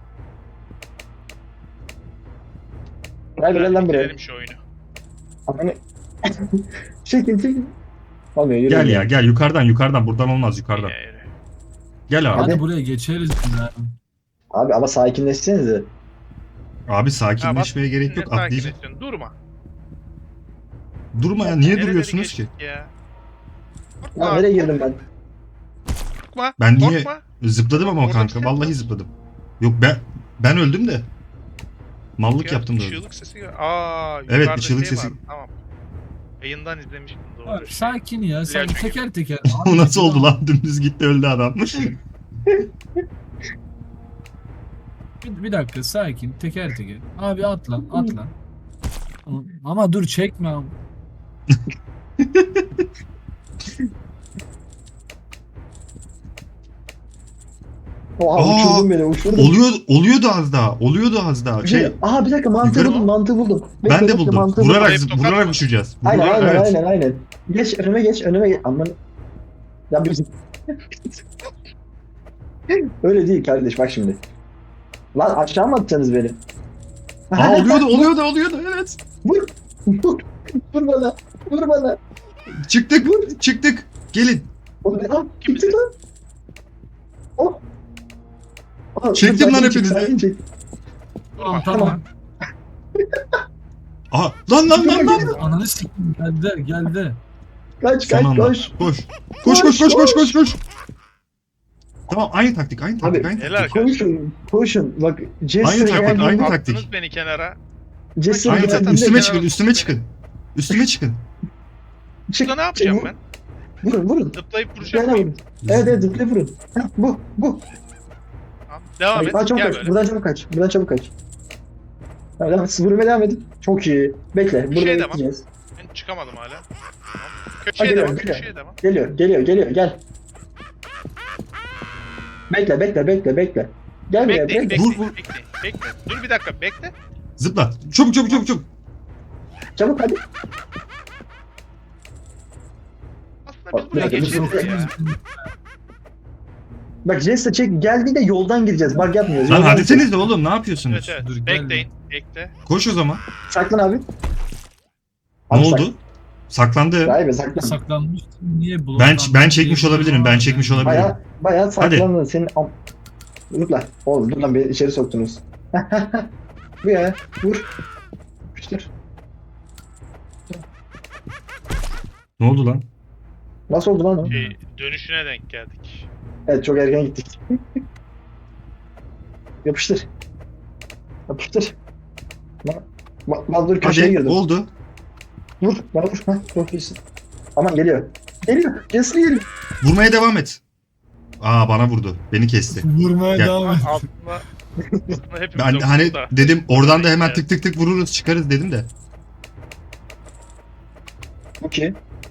Speaker 1: Rahibe gel lan buraya.
Speaker 2: Bitirelim şu oyunu.
Speaker 1: Hani... çekin çekin. Olmuyor yürü.
Speaker 3: Gel
Speaker 1: yürü.
Speaker 3: ya gel yukarıdan yukarıdan. Buradan olmaz yukarıdan.
Speaker 2: Yine yürü.
Speaker 3: Gel abi.
Speaker 1: Hadi.
Speaker 4: Hadi buraya geçeriz. Ya.
Speaker 1: Abi ama sakinleşsenize.
Speaker 3: Abi sakinleşmeye gerek
Speaker 2: Ne
Speaker 3: yok. Atlayacağım.
Speaker 2: sakinleşiyorsun? Durma.
Speaker 3: Durma ya. Niye
Speaker 2: Nereleri
Speaker 3: duruyorsunuz ki?
Speaker 2: geçtik Ya. Korkma,
Speaker 1: Ya nereye girdim ben?
Speaker 2: korkma,
Speaker 3: Ben niye-
Speaker 2: korkma.
Speaker 3: Zıpladım ama o
Speaker 2: Orada
Speaker 3: kanka.
Speaker 2: bir şey
Speaker 3: Vallahi
Speaker 2: yok.
Speaker 3: zıpladım. Yok ben ben öldüm de. Mallık
Speaker 2: Ya,
Speaker 3: yaptım da
Speaker 2: bir
Speaker 3: öldüm.
Speaker 2: çığlık sesi gel- Aa,
Speaker 3: Evet,
Speaker 2: yukarıda
Speaker 3: bir çığlık
Speaker 2: şey
Speaker 3: sesi-
Speaker 2: var, Tamam. Yayından izlemiştim doğru.
Speaker 4: Abi, sakin ya. Sakin.
Speaker 2: Diğer
Speaker 4: Teker teker.
Speaker 3: O nasıl oldu lan? Dümdüz gitti öldü adam.
Speaker 4: Bir, bir dakika sakin. Teker teker. Abi atla. Atla. Ama dur çekme abi.
Speaker 1: Oha
Speaker 3: Aa,
Speaker 1: uçurdun beni uçurdun.
Speaker 3: Oluyor oluyordu az daha. Oluyordu az daha. Şey
Speaker 1: Aha bir dakika mantığı
Speaker 3: Yukarı-
Speaker 1: buldum mantığı buldum. Bekle,
Speaker 3: ben de
Speaker 1: bekle,
Speaker 3: buldum.
Speaker 1: mantığı
Speaker 3: Vurarak
Speaker 2: Hep
Speaker 3: zıp-
Speaker 2: tokat
Speaker 3: vurarak
Speaker 2: mı?
Speaker 3: uçacağız.
Speaker 1: Aynen
Speaker 3: Vurarak-
Speaker 1: aynen
Speaker 3: evet.
Speaker 1: aynen aynen. Geç önüme geç önüme geç. Aman. Ya bir... Öyle değil kardeş bak şimdi. Lan aşağı mı atacaksınız beni?
Speaker 3: Aa oluyordu oluyordu oluyordu evet.
Speaker 1: Vur. Vur. Vur bana. Vur bana.
Speaker 3: Çıktık çıktık. Gelin.
Speaker 1: Oğlum ne lan?
Speaker 2: Kim
Speaker 1: Gitti
Speaker 2: bizi?
Speaker 1: lan. Oh. Aa,
Speaker 3: Çektim
Speaker 1: dur,
Speaker 3: lan
Speaker 1: sakin çek,
Speaker 3: hepinizi.
Speaker 1: sakin çek.
Speaker 4: Tamam
Speaker 1: Tamam.
Speaker 4: tamam.
Speaker 3: Aha lan lan lan lan.
Speaker 4: Ananı sikeyim. Geldi geldi.
Speaker 1: Kaç
Speaker 3: Son
Speaker 1: kaç
Speaker 3: anda.
Speaker 1: koş.
Speaker 3: Koş. Koş koş koş koş koş koş. Tamam aynı taktik aynı taktik
Speaker 1: Abi,
Speaker 3: aynı
Speaker 2: Helal
Speaker 3: taktik.
Speaker 1: Koşun. Koşun. Bak Jester
Speaker 3: Aynı taktik,
Speaker 1: geldiğinde-
Speaker 3: aynı
Speaker 2: Attınız
Speaker 3: taktik.
Speaker 2: beni kenara.
Speaker 1: Jester
Speaker 3: Aynı
Speaker 2: zaten
Speaker 3: taktik.
Speaker 1: geldiğinde-
Speaker 3: Üstüme
Speaker 2: kenara
Speaker 3: çıkın
Speaker 2: tutun
Speaker 3: üstüme
Speaker 2: beni.
Speaker 3: çıkın. Üstüme çıkın.
Speaker 1: Çık,
Speaker 2: Burada ne yapacağım
Speaker 1: çık,
Speaker 2: ben?
Speaker 1: Vurun vurun.
Speaker 2: Zıplayıp vuracağım.
Speaker 1: Gel vurun. Evet evet zıpla vurun. Heh, bu bu.
Speaker 2: Tamam, Devam
Speaker 1: Ay,
Speaker 2: et.
Speaker 1: aa, çabuk
Speaker 2: Gel
Speaker 1: kaç.
Speaker 2: böyle.
Speaker 1: Buradan çabuk kaç. Buradan çabuk kaç. Tamam, devam et. Siz vurmaya devam edin. Çok iyi. Bekle.
Speaker 2: Bir
Speaker 1: Burada
Speaker 2: şey de var.
Speaker 1: bekleyeceğiz.
Speaker 2: Ben çıkamadım hala. Tamam.
Speaker 1: Hadi
Speaker 2: Köşeye
Speaker 1: gel,
Speaker 2: devam.
Speaker 1: gel.
Speaker 2: Köşeye devam.
Speaker 1: Geliyor, geliyor, geliyor. Gel. Bekle, bekle, bekle, bekle. Gel buraya,
Speaker 2: Bekleyin,
Speaker 1: bekle.
Speaker 2: bekleyin,
Speaker 3: Vur, vur.
Speaker 2: bekleyin, bekle. Dur bir dakika, bekle.
Speaker 3: Zıpla. Çabuk çabuk çabuk çabuk.
Speaker 1: Çabuk hadi.
Speaker 2: Aslında biz
Speaker 1: Bak,
Speaker 2: buraya
Speaker 1: bir dakika,
Speaker 2: geçeriz
Speaker 1: bir
Speaker 2: ya.
Speaker 1: Bak Jester çek. Geldiğinde yoldan gireceğiz. Bak yapmıyoruz.
Speaker 3: Lan
Speaker 1: Yoldan
Speaker 3: hadi
Speaker 1: gireceğiz.
Speaker 3: seniz de oğlum ne yapıyorsunuz?
Speaker 2: Evet evet.
Speaker 4: Dur, gel.
Speaker 2: Bekleyin, bekle.
Speaker 3: Koş o zaman.
Speaker 1: Saklan abi.
Speaker 3: Ne
Speaker 1: Abi sak-
Speaker 3: oldu? Saklandı.
Speaker 1: Vay be saklan.
Speaker 4: Saklanmış. Niye
Speaker 3: Ben
Speaker 4: bloklandı
Speaker 3: ben çekmiş
Speaker 4: diye
Speaker 3: olabilirim. Ben çekmiş olabilirim.
Speaker 1: Baya, baya saklandın. Senin am... Dur lan. Oğlum dur lan beni içeri soktunuz. Bu ya. Vur. Yapıştır.
Speaker 3: Ne oldu lan?
Speaker 1: Nasıl oldu lan o?
Speaker 2: Şey, dönüşüne denk geldik.
Speaker 1: Evet çok erken gittik. Yapıştır. Yapıştır. Bak, bak, bak dur köşeye
Speaker 3: Hadi
Speaker 1: girdim.
Speaker 3: oldu.
Speaker 1: Vur, bana vur. Hah, çok iyisin. Aman geliyor. Geliyor. Jester geliyor.
Speaker 3: Vurmaya devam et. Aa bana vurdu. Beni kesti.
Speaker 4: Vurmaya
Speaker 3: Gel.
Speaker 4: devam et.
Speaker 2: Aslında, aslında hepimiz
Speaker 3: Ben
Speaker 2: okuduk
Speaker 3: hani
Speaker 2: da.
Speaker 3: dedim oradan da hemen
Speaker 2: Evet.
Speaker 3: tık tık tık vururuz çıkarız dedim de.
Speaker 1: Okey.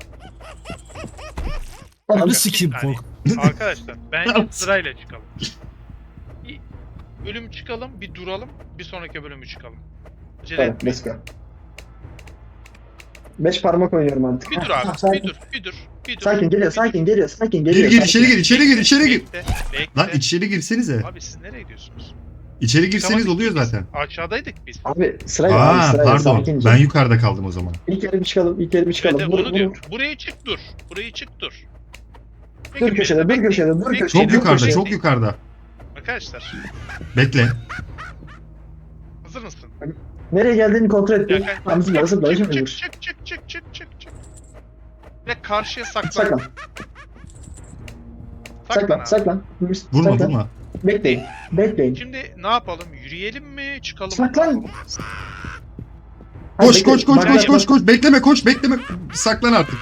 Speaker 4: Ananı
Speaker 2: Bir
Speaker 4: sikeyim
Speaker 2: saniye.
Speaker 4: kork.
Speaker 2: Arkadaşlar bence sırayla çıkalım. Bir bölüm çıkalım, bir duralım, bir sonraki bölümü çıkalım. Acele
Speaker 1: Tamam,
Speaker 2: etmeyin.
Speaker 1: let's go. Beş parmak oynuyorum artık.
Speaker 2: Bir dur
Speaker 1: Hah,
Speaker 2: abi,
Speaker 1: tamam,
Speaker 2: bir
Speaker 1: sakin.
Speaker 2: dur, bir dur. Bir dur.
Speaker 1: Sakin geliyor,
Speaker 2: bir
Speaker 1: sakin geliyor, sakin
Speaker 3: Gir
Speaker 1: geliyor.
Speaker 3: gir
Speaker 1: sakin.
Speaker 3: içeri gir içeri gir içeri gir.
Speaker 2: Bekle, bekle.
Speaker 3: Lan içeri girsenize.
Speaker 2: Abi siz nereye gidiyorsunuz?
Speaker 3: İçeri girseniz
Speaker 2: Tamam,
Speaker 3: oluyor
Speaker 2: biz
Speaker 3: zaten.
Speaker 2: Aşağıdaydık biz.
Speaker 1: Abi sırayla abi
Speaker 3: Aa
Speaker 1: sırayla
Speaker 3: pardon.
Speaker 1: sakince.
Speaker 3: Ben yukarıda kaldım o zaman.
Speaker 1: İlk yere bir çıkalım, ilk yere bir çıkalım.
Speaker 2: Evet,
Speaker 1: Vur,
Speaker 2: onu
Speaker 1: vur,
Speaker 2: diyor.
Speaker 1: vur.
Speaker 2: Buraya çık dur. Buraya çık dur.
Speaker 1: Dur
Speaker 2: Peki,
Speaker 1: köşede, dur
Speaker 2: bekleyin,
Speaker 1: köşede, dur
Speaker 2: bekleyin,
Speaker 1: köşede.
Speaker 3: Çok yukarıda
Speaker 2: bekleyin.
Speaker 3: çok yukarıda.
Speaker 2: Arkadaşlar
Speaker 3: Bekle.
Speaker 2: hazır mısın?
Speaker 1: Nereye geldiğini kontrol et.
Speaker 2: Ya,
Speaker 1: bir. Tamam zıpla zıpla
Speaker 2: çık,
Speaker 1: şimdi
Speaker 2: çık,
Speaker 1: vur.
Speaker 2: çık çık çık çık çık çık. Ve karşıya saklan.
Speaker 1: Saklan, saklan,
Speaker 2: abi.
Speaker 1: saklan.
Speaker 3: Vurma
Speaker 1: Saklan.
Speaker 3: vurma.
Speaker 1: Bekleyin, bekleyin.
Speaker 2: Şimdi ne yapalım? Yürüyelim mi? Çıkalım mı?
Speaker 1: Saklan.
Speaker 3: Koş
Speaker 1: Hadi
Speaker 3: koş
Speaker 1: bekle,
Speaker 3: koş
Speaker 1: bak,
Speaker 3: koş
Speaker 1: bak,
Speaker 3: koş koş. Bekleme koş bekleme. Saklan artık.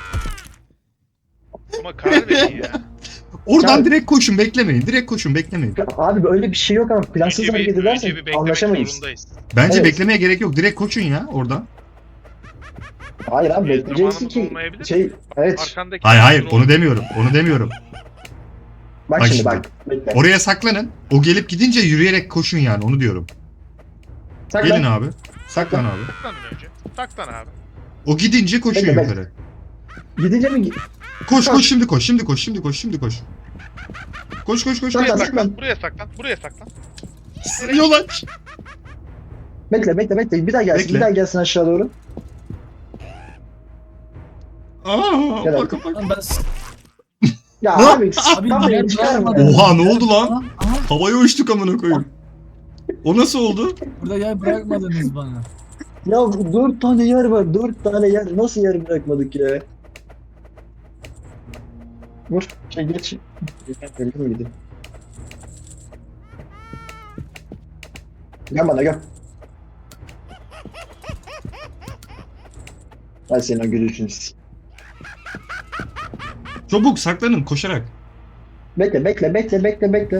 Speaker 2: Ama karar verin ya.
Speaker 3: Oradan
Speaker 1: Ya-
Speaker 3: direkt koşun beklemeyin. Direkt koşun beklemeyin.
Speaker 1: bak. Abi öyle bir şey yok ama plansız
Speaker 2: Önce bir,
Speaker 1: hareket
Speaker 2: önce bir
Speaker 1: edersek
Speaker 2: beklemek
Speaker 1: anlaşamayız.
Speaker 2: zorundayız.
Speaker 3: Bence
Speaker 1: Evet.
Speaker 3: beklemeye gerek yok. Direkt koşun ya oradan.
Speaker 1: Hayır abi
Speaker 2: Ee,
Speaker 1: bekleyeceksin
Speaker 2: zamanımız
Speaker 1: ki
Speaker 2: olmayabilir.
Speaker 1: şey evet.
Speaker 2: Arkandaki
Speaker 3: Hayır hayır
Speaker 2: hazır ol.
Speaker 3: onu demiyorum. Onu demiyorum.
Speaker 1: Bak,
Speaker 3: Bak
Speaker 1: şimdi
Speaker 3: şimdi.
Speaker 1: bak. Bekle.
Speaker 3: Oraya saklanın. O gelip gidince yürüyerek koşun yani onu diyorum.
Speaker 1: Saklan.
Speaker 3: Gelin abi. Saklan abi.
Speaker 2: Saklan önce. Saklan abi.
Speaker 3: O gidince koşun
Speaker 1: Bekle, bekle.
Speaker 3: yukarı.
Speaker 1: Gidince mi?
Speaker 3: Koş
Speaker 1: Koş.
Speaker 3: koş şimdi koş. Şimdi koş. Şimdi koş. Şimdi koş. Koş koş koş.
Speaker 1: Saklan,
Speaker 2: Buraya
Speaker 3: koş.
Speaker 1: saklan.
Speaker 2: saklan. Buraya saklan. Buraya saklan.
Speaker 3: Yol aç.
Speaker 1: Bekle bekle bekle. Bir daha gelsin.
Speaker 3: Bekle.
Speaker 1: Bir daha gelsin aşağı doğru.
Speaker 3: Aa,
Speaker 1: Gel
Speaker 3: bak,
Speaker 1: abi.
Speaker 3: bak.
Speaker 4: Lan ben s-
Speaker 1: Ya
Speaker 3: Ne?
Speaker 1: abi
Speaker 4: Abi
Speaker 1: tam
Speaker 4: niye
Speaker 1: beni çıkarma.
Speaker 4: bırakmadın?
Speaker 3: Oha ne oldu lan?
Speaker 4: Aha, aha,
Speaker 3: Havaya uçtuk amına koyayım. O nasıl oldu?
Speaker 4: burada yer bırakmadınız bana.
Speaker 1: Ya dört tane yer var. Dört tane yer. Nasıl yer bırakmadık ya? Vur. Şey geç. Öldü mü gideyim? Gel bana gel. Ben senin o gülüşünü s-
Speaker 3: Çabuk saklanın koşarak.
Speaker 1: Bekle bekle bekle bekle bekle.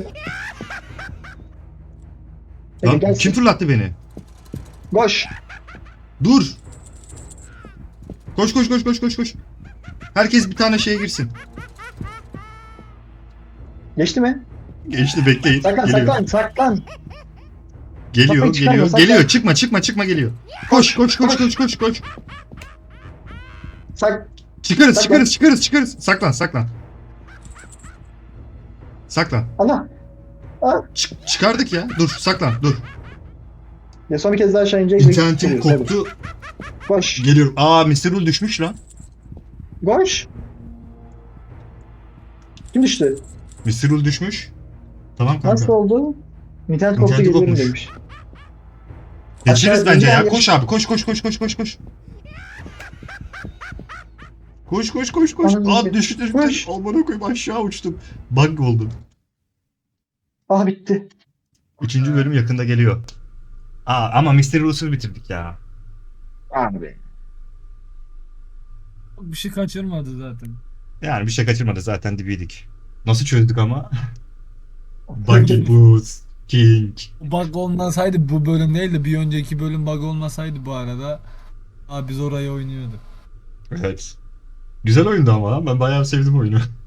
Speaker 1: Bekle
Speaker 3: Lan
Speaker 1: gelsin.
Speaker 3: kim fırlattı beni?
Speaker 1: Koş.
Speaker 3: Dur. Koş koş koş koş koş koş. Herkes bir tane şeye girsin.
Speaker 1: Geçti mi?
Speaker 3: Geçti bekleyin.
Speaker 1: Saklan
Speaker 3: Geliyor.
Speaker 1: saklan saklan.
Speaker 3: Geliyor
Speaker 1: Kafayı çıkarma,
Speaker 3: geliyor
Speaker 1: saklan.
Speaker 3: geliyor. Çıkma çıkma çıkma geliyor. Koş koş koş koş koş koş.
Speaker 1: Sak.
Speaker 3: Çıkarız
Speaker 1: Saklan.
Speaker 3: çıkarız çıkarız çıkarız. Saklan saklan. Saklan.
Speaker 1: Allah. Aa.
Speaker 3: Çık- çıkardık ya. Dur saklan dur.
Speaker 1: Ya son bir kez daha aşağı inecek.
Speaker 3: İnternetim
Speaker 1: Geliyoruz, hadi.
Speaker 3: koptu.
Speaker 1: Koş.
Speaker 3: Geliyorum. Aa mister Rule düşmüş lan.
Speaker 1: Koş. Kim düştü?
Speaker 3: mister Rule düşmüş. Tamam kanka.
Speaker 1: Nasıl oldu? İnternet koptu
Speaker 3: İnterneti
Speaker 1: geliyorum
Speaker 3: kopmuş.
Speaker 1: demiş.
Speaker 3: Geçeriz
Speaker 1: Aşağı
Speaker 3: bence ya.
Speaker 1: ince
Speaker 3: Koş abi koş koş koş koş koş koş. Koş koş koş koş.
Speaker 1: Anladım.
Speaker 3: Aa düştü düştü.
Speaker 1: Koş.
Speaker 3: Aman koyayım aşağı uçtum. Bug oldu.
Speaker 1: Ah bitti.
Speaker 3: Üçüncü bölüm yakında geliyor. Aa ama mister Rule'suz bitirdik ya.
Speaker 1: Abi.
Speaker 4: Bir şey kaçırmadı zaten.
Speaker 3: Yani bir şey kaçırmadı zaten dibiydik. Nasıl çözdük ama? Buggy Boots King.
Speaker 4: Bug olmasaydı bu bölüm değil de bir önceki bölüm bug olmasaydı bu arada abi biz orayı oynuyorduk.
Speaker 3: Evet. Güzel oyundu ama ben bayağı sevdim oyunu.